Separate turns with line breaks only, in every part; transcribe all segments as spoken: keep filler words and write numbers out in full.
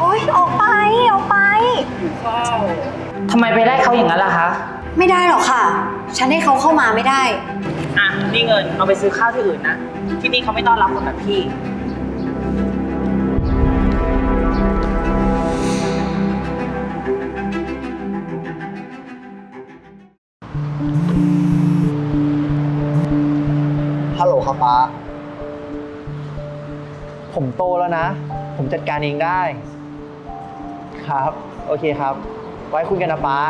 อ๊ยออกไปออกไป
ว้าวทำไมไปได้เขาอย่างนั้นล่ะคะ
ไม่ได้หรอกค่ะฉันให้เขาเข้ามาไม่ได้
อ่ะนี่เงินเอาไปซื้อข้าวที่อื่นนะที่นี่เขาไม่ต้อนรับคนแบบพี่
ฮัลโหลครับป้าผมโตแล้วนะผมจัดการเองได้ครับโอเคครับไว้คุยกันนะป้า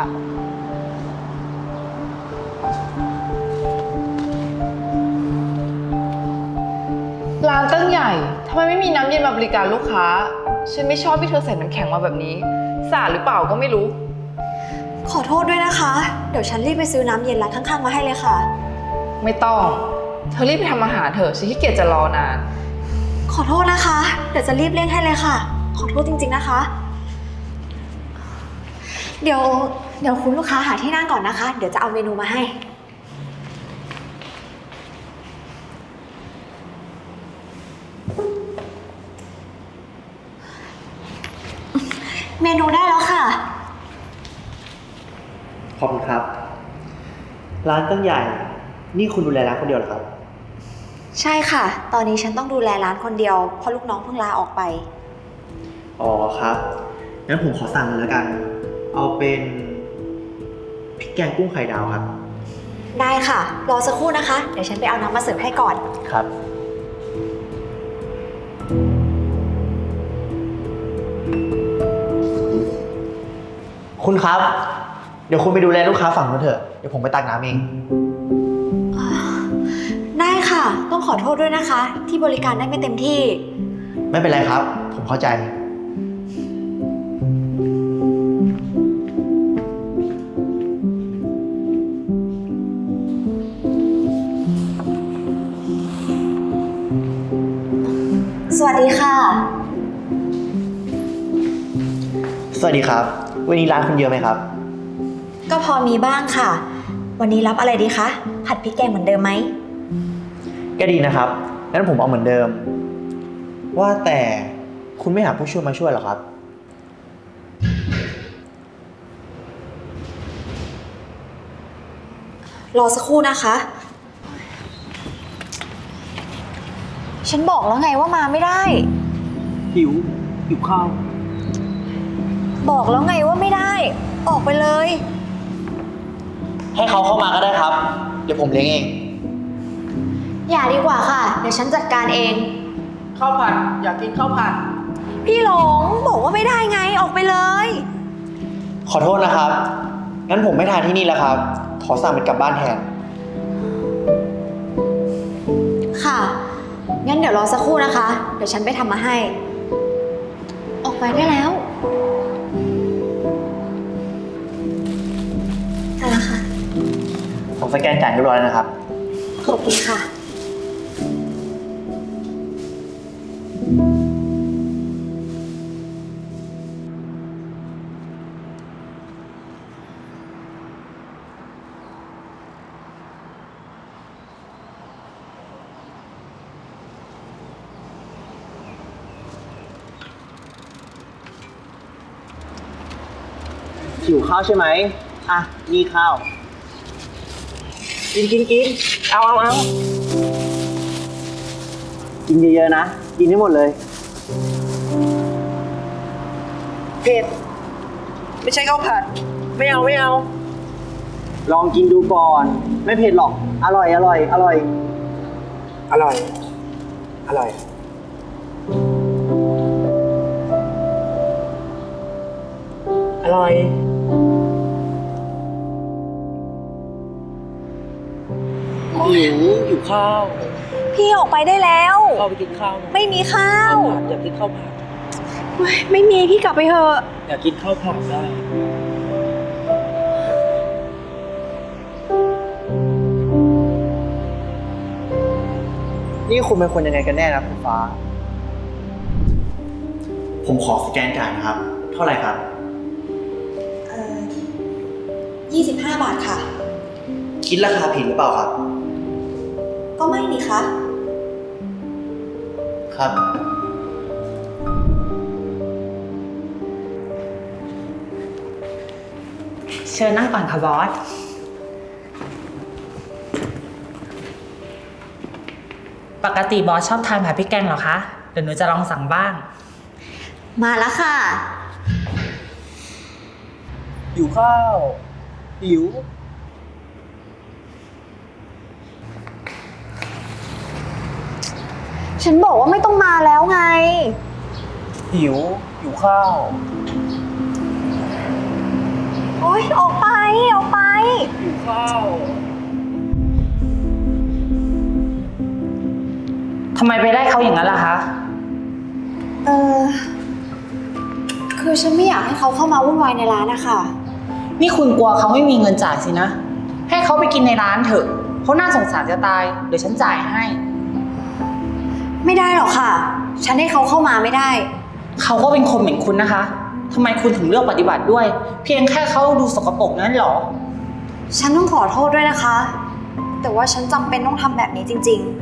ร้านตั้งใหญ่ทำไมไม่มีน้ำเย็นมาบริการลูกค้าฉันไม่ชอบที่เธอใส่น้ำแข็งมาแบบนี้สะอาดหรือเปล่าก็ไม่รู้
ขอโทษด้วยนะคะเดี๋ยวฉันรีบไปซื้อน้ำเย็นร้านข้างๆมาให้เลยค่ะ
ไม่ต้องเธอรีบไปทำอาหารเถอะฉันขี้เกียจจะรอนาน
ขอโทษนะคะเดี๋ยวจะรีบเร่งให้เลยค่ะขอโทษจริงๆนะคะเดี๋ยวเดี๋ยวคุณลูกค้าหาที่นั่งก่อนนะคะเดี๋ยวจะเอาเมนูมาให้เมนูได้แล้วค่ะ
ขอบคุณครับร้านตั้งใหญ่นี่คุณดูแลร้านคนเดียวเหรอครับ
ใช่ค่ะตอนนี้ฉันต้องดูแลร้านคนเดียวเพราะลูกน้องเพิ่งลาออกไป
อ๋อครับงั้นผมขอสั่งเลยแล้วกันเอาเป็นพริกแกงกุ้งไข่ดาวครับ
ได้ค่ะรอสักครู่นะคะเดี๋ยวฉันไปเอาน้ำมาเสิร์ฟให้ก่อน
ครับคุณครับเดี๋ยวคุณไปดูแลลูกค้าฝั่งนู้นเถอะเดี๋ยวผมไปตักน้ำเอง
ได้ค่ะต้องขอโทษด้วยนะคะที่บริการได้ไม่เต็มที่
ไม่เป็นไรครับผมเข้าใจ
สวัสดีค่ะ
สวัสดีครับวันนี้ร้านคุณเยอะไหมครับ
ก็พอมีบ้างค่ะวันนี้รับอะไรดีคะผัดพริกแกงเหมือนเดิมไหม
ก็ดีนะครับงั้นผมเอาเหมือนเดิมว่าแต่คุณไม่หาผู้ช่วยมาช่วยหรอครับ
รอสักครู่นะคะฉันบอกแล้วไงว่ามาไม่ได้
หิวหิวข้าว
บอกแล้วไงว่าไม่ได้ออกไปเลย
ให้เขาเข้ามาก็ได้ครับเดี๋ยวผมเลี้ยงเอง
อย่าดีกว่าค่ะเดี๋ยวฉันจัดการเอง
ข้าวผัดอยากกินข้าวผัด
พี่หลงบอกว่าไม่ได้ไงออกไปเลย
ขอโทษนะครับงั้นผมไม่ทานที่นี่แล้วครับขอสั่งเป็นกลับบ้านแทน
ค่ะงั้นเดี๋ยวรอสักครู่นะคะเดี๋ยวฉันไปทำมาให้ออกไปได้แล้วได้แล้วค่ะ
ผมสแกนจ่ายเรียบร้อยแล้วนะครับ
ขอบคุณค่ะ
หิวข้าวใช่ไหมอ่ะนี่ข้าวกินกินกินเอาเอาเอากินเยอะๆนะกินให้หมดเลย
เผ็ดไม่ใช่ข้าวผัดไม่เอาไม่เอา
ลองกินดูก่อนไม่เผ็ดหรอกอร่อยอร่อยอร่อย
อร่อยอร่อยอร่อยหิวหิวข้าว
พี่ออกไปได้แล้ว
เข้าไปกินข้าว
ไม่มีข้าว
อยากกินข้าวผัด
ไม่มีพี่กลับไปเถอะ
อยากกินข้าวผัดได้
นี่คุณเป็นคนยังไงกันแน่นะคุณฟ้าผมขอสแกนจ่ายนะครับเท่าไหร่ครับ
เอ่อยี่สิบห้าบาทค่ะ
คิดราคาผิดหรือเปล่าครับ
ก็ไม่นี่คะ
ครับ
เชิญนั่งก่อนค่ะบอส ปกติบอสชอบทานผัดพริกแกงเหรอคะ เดี๋ยวหนูจะลองสั่งบ้าง
มาแล้วค่ะ
หิวข้าว หิว
ฉันบอกว่าไม่ต้องมาแล้วไง
หิว หิวข้าว
โอ๊ย ออกไป ออกไป
หิวข้าว
ทำไมไปไล่เขาอย่างนั้นล่ะคะ
เออ คือฉันไม่อยากให้เขาเข้ามาวุ่นวายในร้านนะคะ
นี่คุณกลัวเขาไม่มีเงินจ่ายสินะ ให้เขาไปกินในร้านเถอะเขาน่าสงสารจะตาย เดี๋ยวฉันจ่ายให้
ไม่ได้หรอกค่ะ ฉันให้เขาเข้ามาไม่ได้
เขาก็เป็นคนเหมือนคุณนะคะทำไมคุณถึงเลือกปฏิบัติด้วย เพียงแค่เขาดูสกปรกนั้นเหรอ
ฉันต้องขอโทษด้วยนะคะ แต่ว่าฉันจำเป็นต้องทำแบบนี้จริงๆ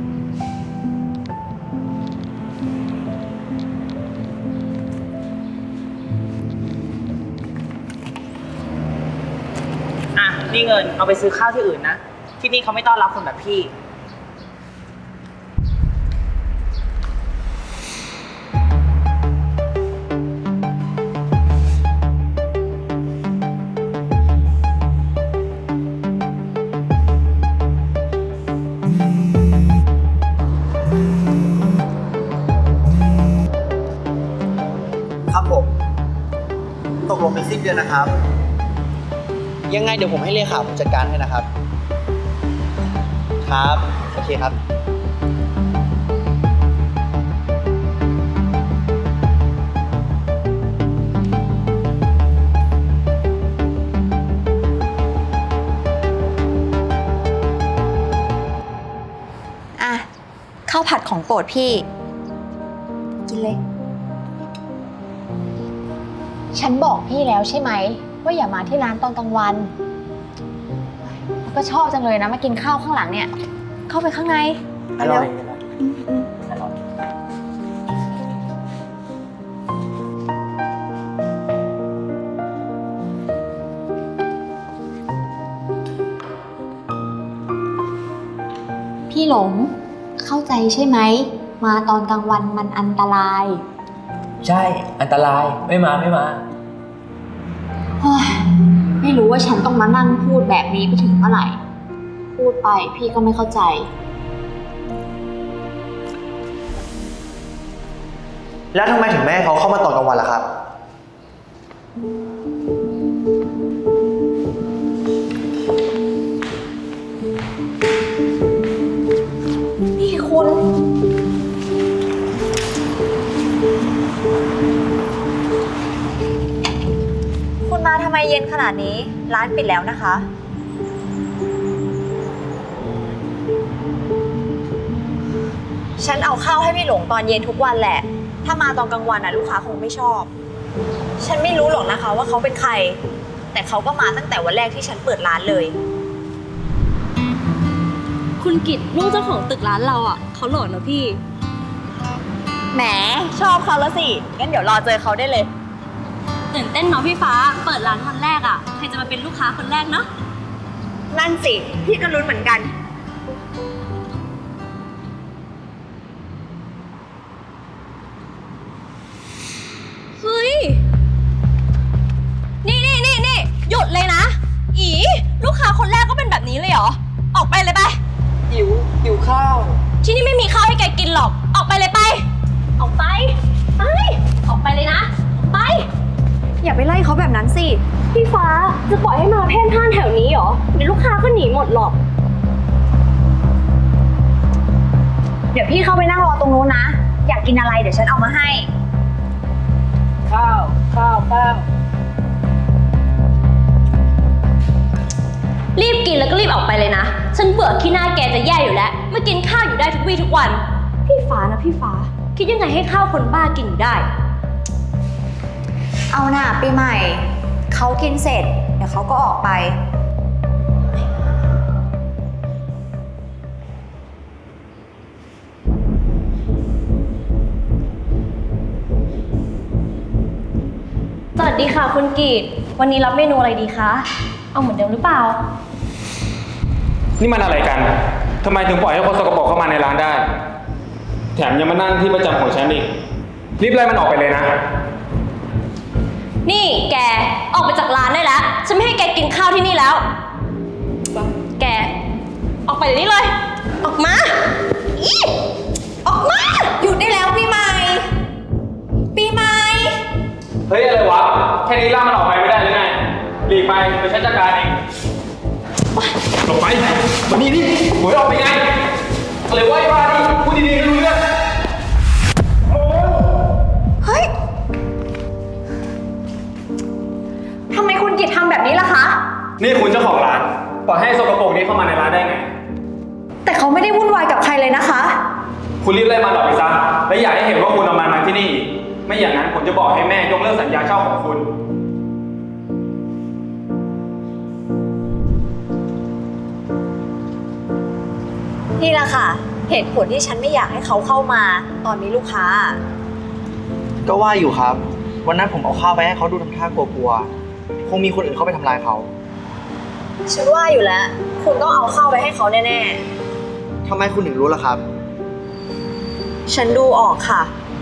อ่ะ นี่เงินเอาไปซื้อข้าวที่อื่นนะ ที่นี่เขาไม่ต้อนรับคนแบบพี่
ครับผม ตกลงเป็นสิ้นเดือนนะครับ ยังไงเดี๋ยวผมให้เลขาผมจัดการให้นะครับ ครับ โอเคครับ
อ่ะ ข้าวผัดของโปรดพี่ กินเลย ฉันบอกพี่แล้วใช่ไหมว่าอย่ามาที่ร้านตอนกลางวัน ก็ชอบจังเลยนะมากินข้าวข้างหลังเนี่ย เข้าไปข้างใน
อร่อย
เวอืมอืม
อร่อย
พี่หลง เข้าใจใช่ไหม มาตอนกลางวันมันอันตราย
ใช่ อันตราย ไม่มาไม่มา
เฮ้ยไม่รู้ว่าฉันต้องมานั่งพูดแบบนี้ไปถึงเมื่อไหร่ พูดไปพี่ก็ไม่เข้าใจ
แล้วทำไมถึงแม่ให้เขาเข้ามาตอนกลางวันล่ะครับ
นี่คุณ คุณมาทำไมเย็นขนาดนี้ ร้านปิดแล้วนะคะ ฉันเอาข้าวให้พี่หลงตอนเย็นทุกวันแหละ ถ้ามาตอนกลางวันน่ะลูกค้าคงไม่ชอบ ฉันไม่รู้หรอกนะคะว่าเขาเป็นใคร แต่เขาก็มาตั้งแต่วันแรกที่ฉันเปิดร้านเลย
คุณกิตลูกเจ้าของตึกร้านเราอ่ะเขาหล่อนะพี่
แหม ชอบเขาแล้วสิ งั้นเดี๋ยวรอเจอเขาได้เลย
ตื่นเต้นเนาะพี่ฟ้า เปิดร้านวันแรกอ่ะ ใครจะมาเป็นลูกค้าคนแรกเนาะ
นั่นสิ พี่ก็ลุ้นเหมือนกัน
เฮ้ย นี่นี่นี่นี่หยุดเลยนะ อีลูกค้าคนแรกก็เป็นแบบนี้เลยเหรอ ออกไปเลยไป
หิว หิวข้าว
ที่นี่ไม่มีข้าวให้แกกินหรอก ออกไปเลยไป ออกไป ไป ออกไปเลยนะ ไป
อย่าไปไล่เขาแบบนั้นสิ
พี่ฟ้าจะปล่อยให้มาเพ่นพ่านแถวนี้เหรอ เดี๋ยวลูกค้าก็หนีหมดหรอก
เดี๋ยวพี่เข้าไปนั่งรอตรงนู้นนะ อยากกินอะไรเดี๋ยวฉันเอามาให้
ข้าว ข้าว ข้าว
รีบกินแล้วก็รีบออกไปเลยนะ ฉันเบื่อขี้หน้าแกจะแย่อยู่แล้วมากินข้าวอยู่ได้ทุกวี่ทุกวัน พี่ฟ้านะพี่ฟ้า คิดยังไงให้ข้าวคนบ้ากินอยู่ได้
เอาหน่าปีใหม่ เขากินเสร็จ เดี๋ยวเขาก็ออกไป
สวัสดีค่ะคุณกีดวันนี้รับเมนูอะไรดีคะ เอาเหมือนเดิมหรือเปล่า
นี่มันอะไรกัน ทำไมถึงปล่อยให้คนสกปรกเข้ามาในร้านได้ แถมยังมานั่งที่ประจำของฉันอีก รีบไล่มันออกไปเลยนะ
นี่แกออกไปจากร้านได้แล้ว ฉันไม่ให้แกกินข้าวที่นี่แล้ว แก ออกไปเดี๋ยวนี้เลย ออกมาอีออกมา
หยุดได้แล้วปีใหม่ ปีใหม่
เฮ้ยอะไรวะ แค่นี้ล่ากมันออกไปไม่ได้หรือไงหลีกไปไปฉันจัดการเองหลบไปมานี่นี่หวยออกไปไงอะไรวะไอ้บ้านี่พูดดีๆไม่รู้เรื่อง
เฮ้ย ทำไมคุณกิตทำแบบนี้ล่ะคะ
นี่คุณเจ้าของร้านปล่อยให้สกปรกนี้เข้ามาในร้านได้ไง
แต่เขาไม่ได้วุ่นวายกับใครเลยนะคะ
คุณรีบไล่มันออกไปซะและอย่าให้เห็นว่าคุณเอามันมาที่นี่อีกไม่อย่างนั้นผมจะบอกให้แม่ยกเลิกสัญญาเช่าของคุณ
นี่แหละค่ะ เหตุผลที่ฉันไม่อยากให้เขาเข้ามาตอนมีลูกค้า
ก็ว่าอยู่ครับ วันนั้นผมเอาข้าวไปให้เขาดูทำท่ากลัวๆ คงมีคนอื่นเข้าไปทำร้ายเขา
ฉันว่าอยู่แล้ว คุณต้องเอาเข้าไปให้เขาแน่
ทำไมคุณถึงรู้ล่ะครับ
ๆ ฉันดูออกค่ะ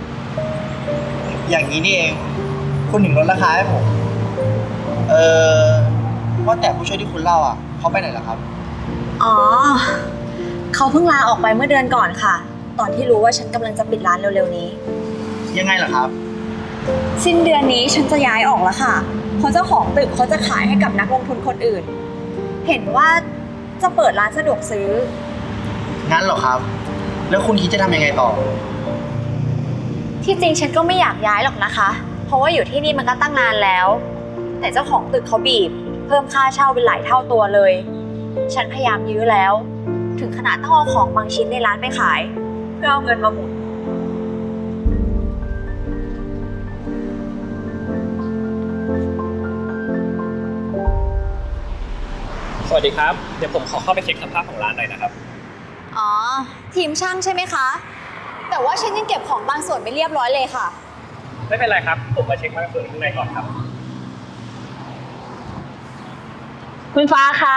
อย่างนี้นี่เอง คุณถึงลดราคาให้ผม เออว่าแต่ผู้ช่วยที่คุณเล่าอ่ะเขาไปไหนล่ะครับ
อ๋อ เขาเพิ่งลาออกไปเมื่อเดือนก่อนค่ะ ตอนที่รู้ว่าฉันกำลังจะปิดร้านเร็วๆนี้
ยังไงล่ะครับ
สิ้นเดือนนี้ฉันจะย้ายออกแล้วค่ะ เพราะเจ้าของตึกเขาจะขายให้กับนักลงทุนคนอื่น เห็นว่าจะเปิดร้านสะดวกซื้อ
งั้นเหรอครับ แล้วคุณคิดจะทำยังไงต่อ
ที่จริงฉันก็ไม่อยากย้ายหรอกนะคะ เพราะว่าอยู่ที่นี่มันก็ตั้งนานแล้ว แต่เจ้าของตึกเขาบีบ เพิ่มค่าเช่าเป็นหลายเท่าตัวเลย ฉันพยายามยื้อแล้ว ถึงขนาดต้องเอาของบางชิ้นในร้านไปขาย เพื่อเอาเงินมาหมุน
สวัสดีครับ เดี๋ยวผมขอเข้าไปเช็คสภาพของร้านหน่อยนะครับ
อ๋อ ทีมช่างใช่ไหมคะ แต่ว่าฉันยังเก็บของบางส่วนไม่เรียบร้อยเลยค่ะ
ไม่เป็นไรครับ ผมมาเช็คบางส่วนข้างในก่อนครับ
คุณฟ้าคะ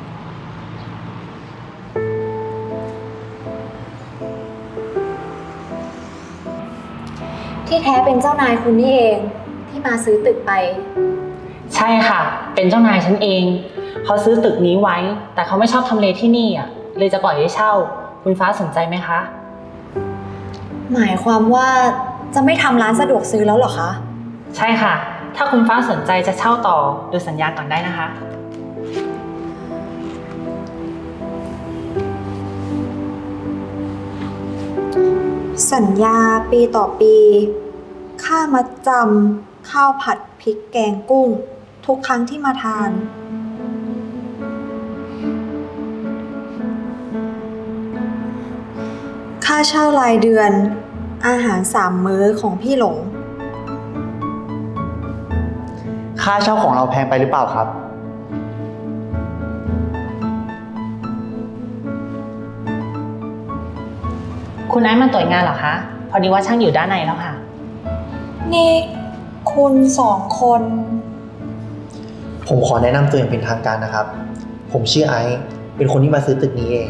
ที่แท้เป็นเจ้านายคุณนี่เองที่มาซื้อตึกไป
ใช่ค่ะ เป็นเจ้านายฉันเอง เขาซื้อตึกนี้ไว้ แต่เขาไม่ชอบทำเลที่นี่อ่ะ เลยจะปล่อยให้เช่า คุณฟ้าสนใจไหมคะ
หมายความว่าจะไม่ทำร้านสะดวกซื้อแล้วเหรอคะ
ใช่ค่ะ ถ้าคุณฟ้าสนใจจะเช่าต่อดูสัญญาก่อนได้นะคะ
สัญญาปีต่อปี ค่ามัดจำข้าวผัดพริกแกงกุ้ง ทุกครั้งที่มาทาน ค่าเช่ารายเดือน อาหารสามมื้อของพี่หลง
ค่าเช่าของเราแพงไปหรือเปล่าครับ
คุณไอซ์มาตรวจงานเหรอคะ พอดีว่าช่างอยู่ด้านในแล้วค่ะ
นี่คุณสองคน
ผมขอแนะนำตัวอย่างเป็นทางการนะครับ ผมชื่อไอซ์เป็นคนที่มาซื้อตึกนี้เอง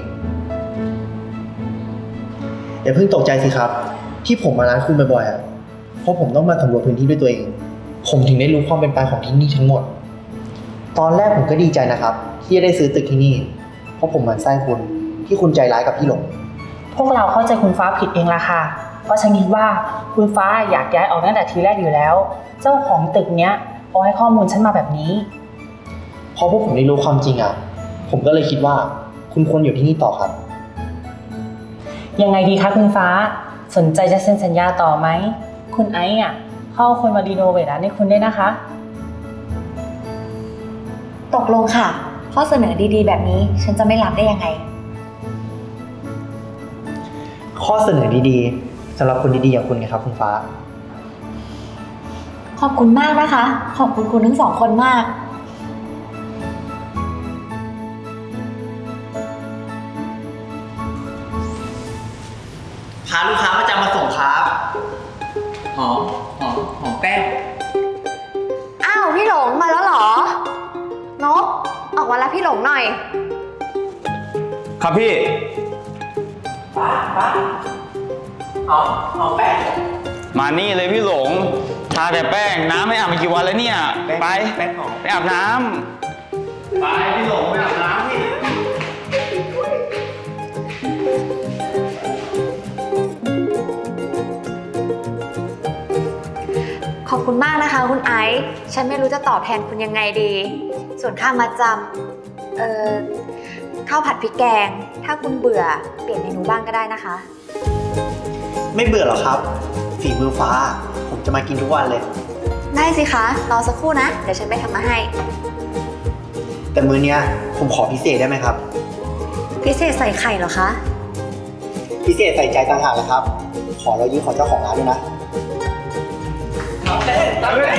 อย่าเพิ่งตกใจสิครับ ที่ผมมาร้านคุณบ่อยๆอ่ะ เพราะผมต้องมาสำรวจพื้นที่ด้วยตัวเอง ผมถึงได้รู้ความเป็นไปของที่นี่ทั้งหมด ตอนแรกผมก็ดีใจนะครับ ที่จะได้ซื้อตึกที่นี่ เพราะผมหมั่นไส้คุณที่คุณใจร้ายกับพี่หลง
พวกเราเข้าใจคุณฟ้าผิดเองละค่ะ เพราะฉันคิดว่าคุณฟ้าอยากย้ายออกตั้งแต่ทีแรกอยู่แล้ว เจ้าของตึกเนี้ยเอาให้ข้อมูลฉันมาแบบนี้
พอพวกผมได้รู้ความจริงอ่ะ ผมก็เลยคิดว่าคุณควรอยู่ที่นี่ต่อครับ
ยังไงดีคะคุณฟ้า สนใจจะเซ็นสัญญาต่อไหม คุณไอซ์อ่ะเข้าคนมารีโนเวทร้านให้คุณได้วยนะคะ
ตกลงค่ะ ข้อเสนอดีๆ แบบนี้ฉันจะไม่รับได้ยังไง
ข้อเสนอดีๆสำหรับคนดีๆอย่างคุณไงครับคุณฟ้า
ขอบคุณมากนะคะ ขอบคุณคุณทั้งสองคนมาก
พาลูกค้าประจำมาส่งครับ
หอม หอม หอมแป้ง
อ้าวพี่หลงมาแล้วเหรอมารับพี่หลงหน่อย
ครับพี่
เอาเอาแป้ง
มานี่เลยพี่หลง ทาแต่แป้ง น้ำไม่อาบมากี่วันแล้วเนี่ย ไป
แป้งหอม
ไปอาบน้ำไปพี่หลงไปอาบน้ำพี่
ขอบคุณมากนะคะคุณไอซ์ฉันไม่รู้จะตอบแทนคุณยังไงดี ส่วนค่ามาจำเอ่อข้าวผัดพริกแกง ถ้าคุณเบื่อเปลี่ยนเมนูบ้างก็ได้นะคะ
ไม่เบื่อหรอกครับ ฝีมือฟ้า ผมจะมากินทุกวันเลย
ได้สิคะ รอสักครู่นะ เดี๋ยวฉันไปทำมาให้
แต่มื้อเนี้ยผมขอพิเศษได้ไหมครับ
พิเศษใส่ไข่เหรอคะ
พิเศษใส่ใจต่างหากเลยครับ ขอเรายืมของเจ้าของร้านด้วยนะ
เอาเต้นตามเลย